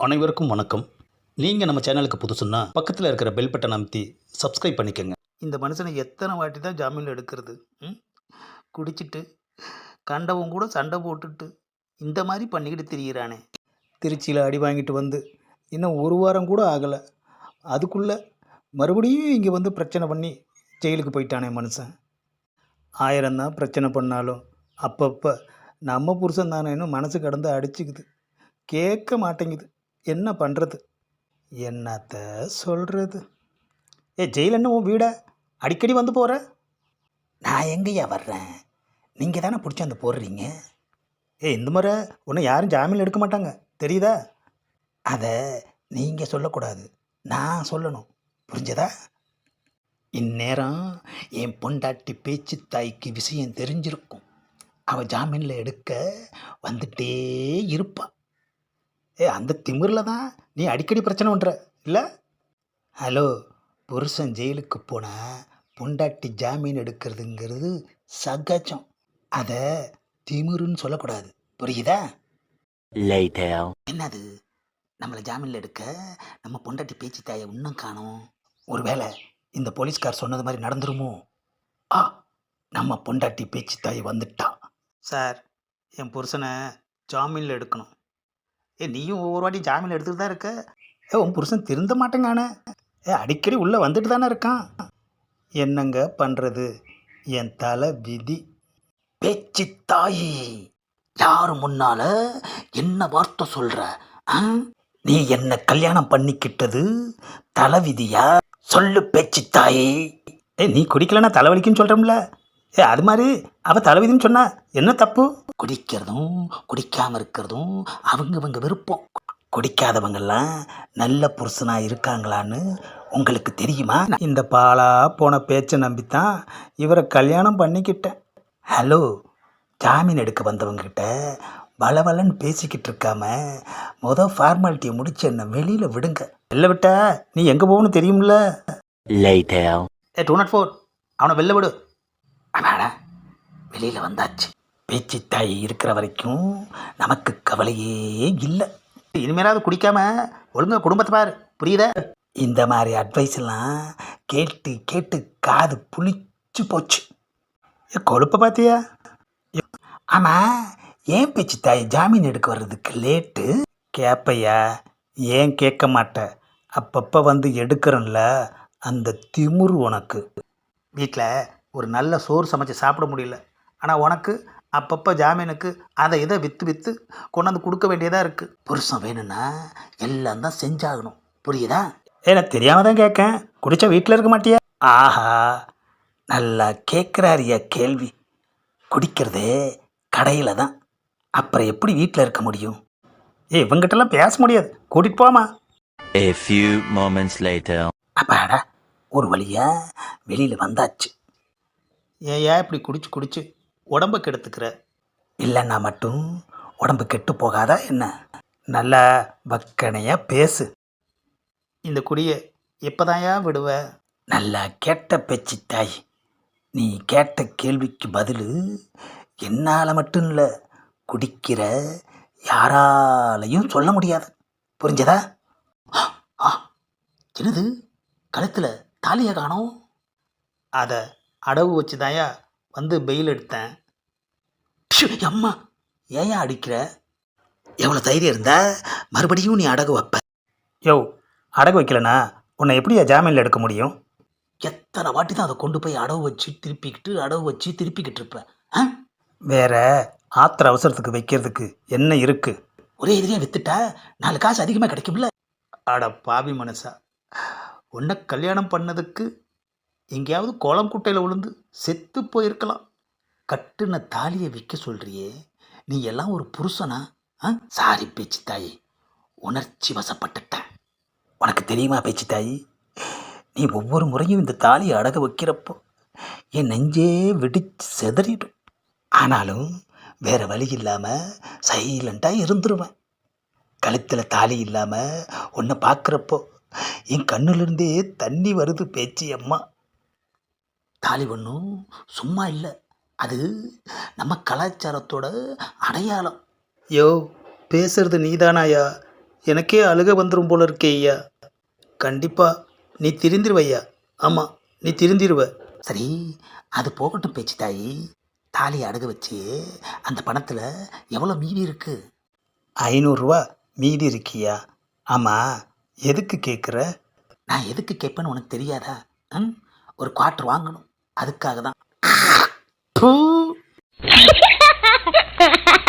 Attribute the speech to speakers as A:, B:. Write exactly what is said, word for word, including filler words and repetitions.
A: அனைவருக்கும் வணக்கம். நீங்கள் நம்ம சேனலுக்கு புதுசுன்னா பக்கத்தில் இருக்கிற பெல் பட்டன் அமைத்தி சப்ஸ்கிரைப் பண்ணிக்கோங்க. இந்த மனுஷனை எத்தனை வாட்டி தான் ஜாமீன் எடுக்கிறது? ம் குடிச்சிட்டு கண்டவன் கூட சண்டை போட்டுட்டு இந்த மாதிரி பண்ணிக்கிட்டு திரியிறானே. திருச்சியில் அடி வாங்கிட்டு வந்து இன்னும் ஒரு வாரம் கூட ஆகலை, அதுக்குள்ளே மறுபடியும் இங்கே வந்து பிரச்சனை பண்ணி ஜெயிலுக்கு போயிட்டானே மனுஷன். ஆயிரம் தான் பிரச்சனை பண்ணாலும் அப்பப்போ நம்ம புருஷன் தானேன்னு மனசு கடந்து அடிச்சுக்குது, கேட்க மாட்டேங்குது. என்ன பண்ணுறது, என்னத்த சொல்கிறது? ஏ ஜெயில் என்ன உன் வீடா? அடிக்கடி வந்து போகிற? நான் எங்கேயா வர்றேன், நீங்கள் தானே பிடிச்சி அந்த போடுறீங்க. ஏ இந்த முறை ஒன்றும் யாரும் ஜாமீன் எடுக்க மாட்டாங்க, தெரியுதா? அதை நீங்கள் சொல்லக்கூடாது, நான் சொல்லணும், புரிஞ்சதா? இந்நேரம் என் பொண்டாட்டி பேச்சு தாய்க்கு விஷயம் தெரிஞ்சிருக்கும். அவள் ஜாமீனில் எடுக்க வந்துட்டே இருப்பாள். ஏ அந்த திமிரில் தான் நீ அடிக்கடி பிரச்சனை பண்ணுற இல்லை? ஹலோ, புருஷன் ஜெயிலுக்கு போனால் பொண்டாட்டி ஜாமீன் எடுக்கிறதுங்கிறது சகஜம். அதை திமிருன்னு சொல்லக்கூடாது, புரியுதா? என்னது, நம்மளை ஜாமீனில் எடுக்க நம்ம பொண்டாட்டி பேச்சு தாயை இன்னும் காணோம். ஒருவேளை இந்த போலீஸ்கார் சொன்னது மாதிரி நடந்துருமோ? ஆ, நம்ம பொண்டாட்டி பேச்சு தாய் வந்துட்டா. சார், என் புருஷனை ஜாமீனில் எடுக்கணும். ஏ நீயும் ஒவ்வொரு வாட்டி ஜாமீன் எடுத்துகிட்டு தான் இருக்க. ஏ உன் புருஷன் திருந்த மாட்டேங்கானே. ஏ அடிக்கடி உள்ளே வந்துட்டு தானே இருக்கான். என்னங்க பண்ணுறது, என் தலை விதி. பேச்சு தாயி, யார் முன்னால் என்ன வார்த்தை சொல்கிற? நீ என்ன கல்யாணம் பண்ணிக்கிட்டது தலைவிதியா? சொல்லு பேச்சு தாயி. ஏ நீ குடிக்கலன்னா தலைவலிக்குன்னு சொல்கிறோம்ல, ஏ அது மாதிரி அவள் தலைவிதின்னு சொன்னா என்ன தப்பு? குடிக்கிறதும் குடிக்காமல் இருக்கிறதும் அவங்கவங்க விருப்பம். குடிக்காதவங்கெல்லாம் நல்ல புருஷனாக இருக்காங்களான்னு உங்களுக்கு தெரியுமா? இந்த பாலா போன பேச்சை நம்பித்தான் இவரை கல்யாணம் பண்ணிக்கிட்டேன். ஹலோ, ஜாமீன் எடுக்க வந்தவங்ககிட்ட வளவலன்னு பேசிக்கிட்டு இருக்காம மொதல் ஃபார்மாலிட்டியை முடிச்சு என்ன வெளியில் விடுங்க. வெளில விட்டா நீ எங்கே போகணும்னு தெரியும்ல. ஏ டூ நாட் ஃபோர், அவனை வெளில விடு. அடாடா, வெளியில் வந்தாச்சு. பேச்சு தாய் இருக்கிற வரைக்கும் நமக்கு கவலையே இல்லை. இனிமேலாவது குடிக்காம ஒழுங்கா குடும்பத்தை பாரு, புரியுதா? இந்த மாதிரி அட்வைஸ் எல்லாம் கேட்டு கேட்டு காது புளிச்சு போச்சு. கொழுப்பை பார்த்தியா? ஆமாம், ஏன் பேச்சு தாய் ஜாமீன் எடுக்க வர்றதுக்கு லேட்டு? கேட்பையா? ஏன் கேட்க மாட்டேன்? அப்பப்போ வந்து எடுக்கிறோம்ல, அந்த திமிரு உனக்கு. வீட்டில் ஒரு நல்ல சோறு சமைச்சு சாப்பிட முடியல, ஆனால் உனக்கு அப்பப்போ ஜாமீனுக்கு அதை இதை விற்று விற்று கொண்டாந்து கொடுக்க வேண்டியதாக இருக்குது. புருஷன் வேணும்னா எல்லாம் தான் செஞ்சாகணும், புரியுதா? ஏன்னா தெரியாமல் தான் கேட்கேன், குடித்தா வீட்டில் இருக்க மாட்டியா? ஆஹா, நல்லா கேட்குறாரியா கேள்வி. குடிக்கிறதே கடையில் தான், அப்புறம் எப்படி வீட்டில் இருக்க முடியும்? ஏ இவங்கிட்டலாம் பேச முடியாது, கூட்டிகிட்டு போமா.
B: A few moments later.
A: அப்பாடா, ஒரு வழியா வெளியில் வந்தாச்சு. ஏயா இப்படி குடிச்சு குடிச்சு உடம்பை கெடுத்துக்கிற? இல்லைன்னா மட்டும் உடம்பு கெட்டு போகாதா என்ன? நல்லா வக்கனையாக பேசு. இந்த குடியை எப்போதாயா விடுவ? நல்லா கேட்ட பேச்சு தாய். நீ கேட்ட கேள்விக்கு பதில் என்னால் மட்டும் இல்லை, குடிக்கிற யாராலையும் சொல்ல முடியாது, புரிஞ்சதா? ஆ, என்னது கழுத்தில் தாலியை காணோம்? அதை அடவு வச்சு தாயா வந்து பெயில் எடுத்தேன். அம்மா, ஏயா அடிக்கிற? எவ்வளோ தைரியம் இருந்தா மறுபடியும் நீ அடகு வைப்ப? யோ, அடகு வைக்கலனா உன்னை எப்படியா ஜாமீனில் எடுக்க முடியும்? எத்தனை வாட்டி தான் அதை கொண்டு போய் அடவு வச்சு திருப்பிக்கிட்டு அடவு வச்சு திருப்பிக்கிட்டு இருப்பேன். ஆ, வேற ஆத்திர அவசரத்துக்கு வைக்கிறதுக்கு என்ன இருக்குது? ஒரே எதிரியாக வித்துட்டா நாலு காசு அதிகமாக கிடைக்கும்ல. அட பாவி மனசா, உன்னை கல்யாணம் பண்ணதுக்கு எங்கேயாவது கோலம் குட்டையில் விழுந்து செத்து போயிருக்கலாம். கட்டுன தாலியை விற்க சொல்கிறியே, நீ எல்லாம் ஒரு புருஷனா? ஆ, சாரி பேச்சு தாயி, உணர்ச்சி வசப்பட்டுட்டேன். உனக்கு தெரியுமா பேச்சு தாயி, நீ ஒவ்வொரு முறையும் இந்த தாலியை அடக வைக்கிறப்போ என் நெஞ்சே வெடிச்சு செதறிடும். ஆனாலும் வேறு வழி இல்லாமல் சைலண்ட்டாக இருந்துருவேன். கழுத்தில் தாலி இல்லாமல் உன்னை பார்க்குறப்போ என் கண்ணுலேருந்தே தண்ணி வருது பேச்சு அம்மா. தாலி ஒன்றும் சும்மா இல்லை, அது நம்ம கலாச்சாரத்தோட அடையாளம். யோ, பேசுறது நீதானாயா? எனக்கே அழுக வந்துடும் போல இருக்கே ஐயா. கண்டிப்பாக நீ திருந்திருவ ஐயா. ஆமாம், நீ திருந்திருவ. சரி, அது போகட்டும் பேச்சு தாயி. தாலியை அடகு வச்சு அந்த பணத்தில் எவ்வளோ மீதி இருக்கு? ஐநூறுரூவா மீதி இருக்கியா? ஆமாம், எதுக்கு கேட்குற? நான் எதுக்கு கேட்பேன்னு உனக்கு தெரியாதா? ம், ஒரு குவார்ட்டர் வாங்கணும், அதுக்காக தான்.